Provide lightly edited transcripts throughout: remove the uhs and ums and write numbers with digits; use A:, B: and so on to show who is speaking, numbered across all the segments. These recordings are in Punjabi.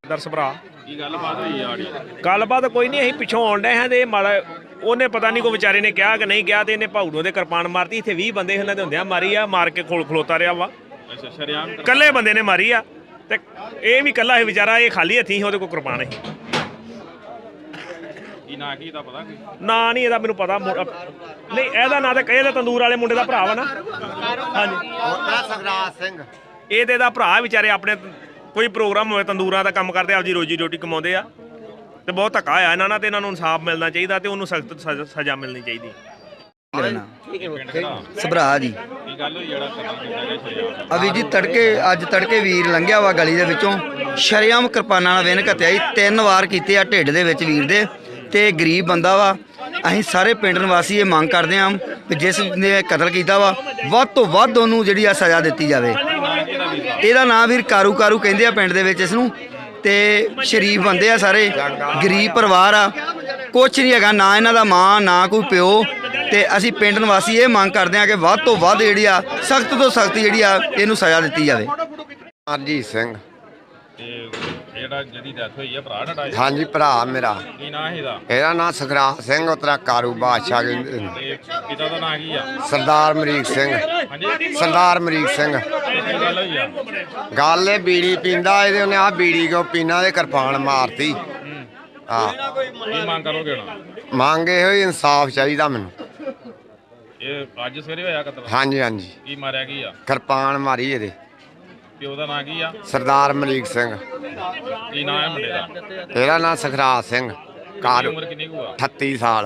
A: ਦਰਸ ਭਰਾ
B: ਕੀ ਗੱਲਬਾਤ ਹੋਈ ਆੜੀ?
A: ਗੱਲਬਾਤ ਕੋਈ ਨਹੀਂ, ਅਸੀਂ ਪਿੱਛੋਂ ਆਉਣ ਡਏ ਹਾਂ ਤੇ ਮਾੜਾ ਉਹਨੇ ਪਤਾ ਨਹੀਂ ਕੋਈ ਵਿਚਾਰੇ ਨੇ ਕਿਹਾ ਕਿ ਨਹੀਂ ਕਿਹਾ, ਤੇ ਇਹਨੇ ਭਾਊ ਨੂੰ ਦੇ ਕਿਰਪਾਨ ਮਾਰਤੀ। ਇੱਥੇ 20 ਬੰਦੇ ਇਹਨਾਂ ਦੇ ਹੁੰਦਿਆਂ ਮਾਰੀ ਆ, ਮਾਰ ਕੇ ਕੋਲ ਖਲੋਤਾ ਰਿਹਾ ਵਾ।
B: ਅੱਛਾ, ਸ਼ਰਿਆਮ
A: ਇਕੱਲੇ ਬੰਦੇ ਨੇ ਮਾਰੀ ਆ, ਤੇ ਇਹ ਵੀ ਇਕੱਲਾ ਸੀ ਵਿਚਾਰਾ, ਇਹ ਖਾਲੀ ਹੱਥੀਂ ਸੀ, ਉਹਦੇ ਕੋਲ ਕਿਰਪਾਨ ਸੀ।
B: ਕੀ ਨਾਂ ਕੀ ਦਾ ਪਤਾ ਕੋਈ?
A: ਨਾਂ ਨਹੀਂ ਇਹਦਾ ਮੈਨੂੰ ਪਤਾ, ਨਹੀਂ ਇਹਦਾ ਨਾਂ ਤਾਂ ਇਹਦਾ ਤੰਦੂਰ ਵਾਲੇ ਮੁੰਡੇ ਦਾ ਭਰਾ ਵਾ ਨਾ। ਹਾਂਜੀ,
C: ਸਖਰਾਜ ਸਿੰਘ।
A: ਇਹ ਤੇ ਇਹਦਾ ਭਰਾ ਵਿਚਾਰੇ ਆਪਣੇ ਕੋਈ ਪ੍ਰੋਗਰਾਮ ਹੋਵੇ ਤੰਦੂਰਾਂ ਦਾ ਕੰਮ ਕਰਦੇ, ਆਪਦੀ ਰੋਜੀ ਰੋਟੀ ਕਮਾਉਂਦੇ ਆ, ਤੇ ਬਹੁਤ ਧੱਕਾ ਹੋਇਆ ਇਹਨਾਂ ਨਾਲ, ਤੇ ਇਹਨਾਂ ਨੂੰ ਇਨਸਾਫ ਮਿਲਣਾ ਚਾਹੀਦਾ, ਤੇ ਉਹਨੂੰ ਸਖਤ ਸਜ਼ਾ ਮਿਲਣੀ ਚਾਹੀਦੀ।
D: ਸਭਰਾ ਜੀ।
B: ਕੀ ਗੱਲ ਹੋਈ ਜਿਹੜਾ ਕਤਲ ਕੀਤਾ ਗਿਆ ਸ਼ਰਿਆਮ?
D: ਅਵੀ ਜੀ ਅੱਜ ਤੜਕੇ ਵੀਰ ਲੰਘਿਆ ਵਾ ਗਲੀ ਦੇ ਵਿੱਚੋਂ, ਸ਼ਰੇਆਮ ਕਿਰਪਾਨਾਂ ਨਾਲ ਵਿਨ ਘੱਤਿਆ ਜੀ। 3 ਵਾਰ ਕੀਤੇ ਆ ਢਿੱਡ ਦੇ ਵਿੱਚ ਵੀਰ ਦੇ, ਤੇ ਗਰੀਬ ਬੰਦਾ ਵਾ। ਅਸੀਂ ਸਾਰੇ ਪਿੰਡ ਨਿਵਾਸੀ ਇਹ ਮੰਗ ਕਰਦੇ ਹਾਂ ਕਿ ਜਿਸ ਨੇ ਕਤਲ ਕੀਤਾ ਵਾ ਵੱਧ ਤੋਂ ਵੱਧ ਉਹਨੂੰ ਜਿਹੜੀ ਆ ਸਜ਼ਾ ਦਿੱਤੀ ਜਾਵੇ। ਇਹਦਾ ਨਾਂ ਵੀਰ ਕਾਰੂ ਕਹਿੰਦੇ ਆ ਪਿੰਡ ਦੇ ਵਿੱਚ ਇਸ ਨੂੰ, ਤੇ ਸ਼ਰੀਫ ਬੰਦੇ ਆ ਸਾਰੇ, ਗਰੀਬ ਪਰਿਵਾਰ ਆ, ਕੁਛ ਨਹੀਂ ਹੈਗਾ, ਨਾ ਇਹਨਾਂ ਦਾ ਮਾਂ ਨਾ ਕੋਈ ਪਿਓ। ਤੇ ਅਸੀਂ ਪਿੰਡ ਨਿਵਾਸੀ ਇਹ ਮੰਗ ਕਰਦੇ ਹਾਂ ਕਿ ਵੱਧ ਤੋਂ ਵੱਧ ਜਿਹੜੀ ਆ ਸਖਤ ਤੋਂ ਸਖਤ ਜਿਹੜੀ ਆ ਇਹਨੂੰ ਸਜ਼ਾ ਦਿੱਤੀ ਜਾਵੇ।
C: ਅਰਜੀਤ ਸਿੰਘ।
B: ਤੇ ਜਿਹੜਾ ਜਿਹਦੀ ਡੈਥ ਹੋਈ ਆ ਭਰਾ ਤੁਹਾਡਾ?
C: ਹਾਂਜੀ, ਭਰਾ ਮੇਰਾ।
B: ਕੀ ਨਾਂ ਇਹਦਾ?
C: ਇਹਦਾ ਨਾਂ ਸਖਰਾਜ ਸਿੰਘ, ਉਤਰਾ ਕਾਰੂ ਬਾਦਸ਼ਾਹ ਕਹਿੰਦੇ।
B: ਤੇ ਪਿਤਾ ਦਾ ਨਾਂ ਕੀ ਆ?
C: ਸਰਦਾਰ ਅਮਰੀਕ ਸਿੰਘ।
B: ਹਾਂਜੀ,
C: ਸਰਦਾਰ ਅਮਰੀਕ ਸਿੰਘ।
B: ਕੀ ਗੱਲ ਹੋਈ ਆ?
C: ਗੱਲ ਇਹ ਬੀੜੀ ਪੀਂਦਾ, ਇਹਦੇ ਉਹਨੇ ਆਹ ਬੀੜੀ ਕੋ ਪੀਣਾ ਦੇ ਕਿਰਪਾਨ ਮਾਰਤੀ। ਹਾਂ,
B: ਕੀ ਮੰਗ ਕਰੋਗੇ ਹੁਣ?
C: ਮੰਗ ਇਹੋ ਹੀ ਇਨਸਾਫ ਚਾਹੀਦਾ ਮੈਨੂੰ।
B: ਇਹ ਅੱਜ ਸਵੇਰੇ ਹੋਇਆ ਕਤਲ?
C: ਹਾਂਜੀ ਹਾਂਜੀ,
B: ਕੀ ਮਾਰਿਆ ਕੀ ਆ?
C: ਕਿਰਪਾਨ ਮਾਰੀ ਇਹਦੇ।
B: ਪਿਓ ਦਾ ਨਾਂ ਕੀ ਆ?
C: ਸਰਦਾਰ ਅਮਰੀਕ ਸਿੰਘ।
B: ਕੀ ਨਾਂ ਹੈ ਮੁੰਡੇ ਦਾ?
C: ਇਹਦਾ ਨਾਂ ਸਖਰਾਜ ਸਿੰਘ। ਕਾਰੂ।
B: ਉਮਰ ਕਿੰਨੀ ਕੁ ਆ?
C: 38 ਸਾਲ।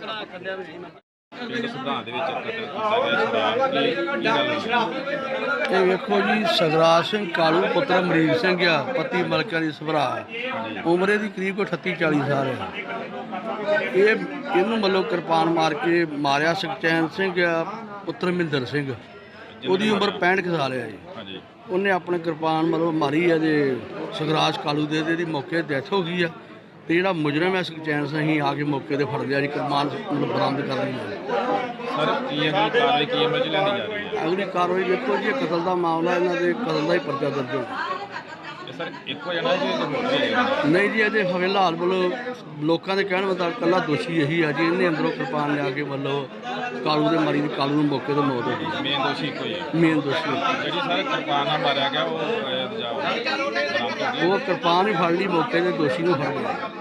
B: ਪਿੰਡ ਸੁਧਾਰ ਦੇ ਵਿੱਚ ਕਤਲ ਕੀਤਾ ਗਿਆ ਸ਼ਰਿਆਮ, ਕੀ ਗੱਲ ਹੋਈ?
E: ਇਹ ਵੇਖੋ ਜੀ, ਸਗਰਾਜ ਸਿੰਘ ਕਾਲੂ ਪੁੱਤਰ ਅਮਰੀਕ ਸਿੰਘ ਆ, ਪਤੀ ਮਲਕਾ ਦੀ ਸਭਰਾ। ਉਮਰ ਇਹਦੀ ਕਰੀਬ ਕੋਈ 38-40 ਸਾਲ ਹੈ। ਇਹਨੂੰ ਮਤਲਬ ਕਿਰਪਾਨ ਮਾਰ ਕੇ ਮਾਰਿਆ ਸੁਖਚੈਨ ਸਿੰਘ ਆ, ਪੁੱਤਰ ਮਹਿੰਦਰ ਸਿੰਘ। ਉਹਦੀ ਉਮਰ 65 ਕੁ ਸਾਲ ਹੈ ਜੀ।
B: ਹਾਂਜੀ,
E: ਉਹਨੇ ਆਪਣੇ ਕਿਰਪਾਨ ਮਤਲਬ ਮਾਰੀ ਹੈ, ਜੇ ਸਗਰਾਜ ਕਾਲੂ ਦੇ ਇਹਦੀ ਮੌਕੇ ਡੈਥ ਹੋ ਗਈ ਆ। ਤੇ ਜਿਹੜਾ ਮੁਜਰਮ ਹੈ ਸੁਖਚੈਨ ਸਿੰਘ, ਅਸੀਂ ਆ ਕੇ ਮੌਕੇ ਤੇ ਫੜ ਲਿਆ ਜੀ, ਕਿਰਪਾਨ ਮਤਲਬ ਬਰਾਮਦ ਕਰ ਲਈ ਹੈ।
B: ਸਰ ਕੀ ਅਗਲੀ ਕਾਰਵਾਈ ਕੀ ਅਮਲ ਚ ਲਿਆਂਦੀ ਜਾ ਰਹੀ ਹੈ?
E: ਅਗਲੀ ਕਾਰਵਾਈ ਵੇਖੋ ਜੀ, ਇਹ ਕਤਲ ਦਾ ਮਾਮਲਾ, ਇਹਨਾਂ ਦੇ ਕਤਲ ਦਾ ਹੀ ਪਰਚਾ ਦਰਜ ਹੋ।
B: ਇਹ ਸਰ ਇੱਕੋ ਜਣਾ ਜੀ ਹੋਰ ਵੀ ਹੈਗੇ?
E: ਨਹੀਂ ਜੀ, ਇਹਦੇ ਫਿਲਹਾਲ ਮਤਲਬ ਲੋਕਾਂ ਦੇ ਕਹਿਣ ਮੁਤਾਬਕ ਇਕੱਲਾ ਦੋਸ਼ੀ ਇਹੀ ਆ ਜੀ। ਇਹਨੇ ਅੰਦਰੋਂ ਕਿਰਪਾਨ ਲਿਆ ਕੇ ਮਤਲਬ ਕਾਲੂ ਦੇ ਮਾਰੀ, ਕਾਲੂ ਨੂੰ ਮੌਕੇ ਤੇ ਮੌਤ ਹੋ ਗਈ।
B: ਮੇਨ ਦੋਸ਼ੀ ਇੱਕੋ ਹੀ ਹੈ?
E: ਮੇਨ ਦੋਸ਼ੀ
B: ਜਿਹੜੀ ਸਰ ਕਿਰਪਾਨ ਨਾਲ ਮਾਰਿਆ ਗਿਆ ਉਹ ਬਰਾਮਦ ਹੋ ਗਈ?
E: ਉਹ ਕਿਰਪਾਨ ਹੀ ਫੜ ਲਈ, ਮੌਕੇ ਤੇ ਦੋਸ਼ੀ ਨੂੰ ਫੜ ਲਿਆ।